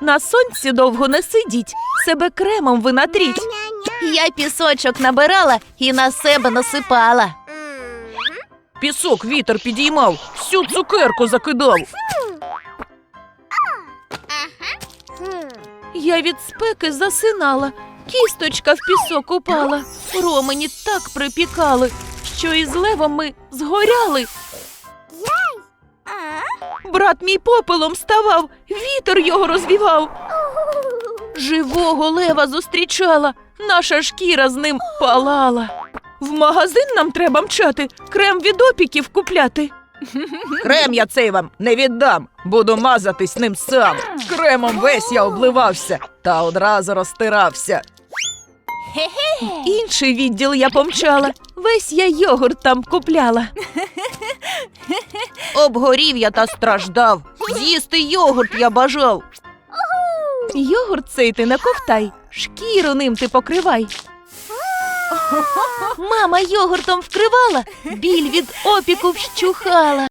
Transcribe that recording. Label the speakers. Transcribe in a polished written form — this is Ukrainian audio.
Speaker 1: На сонці довго не сидіть, себе кремом ви натріть. Я пісочок набирала і на себе насипала.
Speaker 2: Пісок вітер підіймав, всю цукерку закидав.
Speaker 1: Я від спеки засинала, кісточка в пісок упала. Ромені так припікали, що із левом ми згоряли. Брат мій попелом ставав, вітер його розвівав. Живого лева зустрічала, наша шкіра з ним палала. В магазин нам треба мчати, крем від опіків купляти.
Speaker 2: Крем я цей вам не віддам, буду мазатись ним сам. Кремом весь я обливався та одразу розтирався.
Speaker 1: В інший відділ я помчала, весь я йогурт там купляла.
Speaker 2: Обгорів я та страждав, з'їсти йогурт я бажав.
Speaker 1: Йогурт цей ти не ковтай, шкіру ним ти покривай. Мама йогуртом вкривала, біль від опіку вщухала.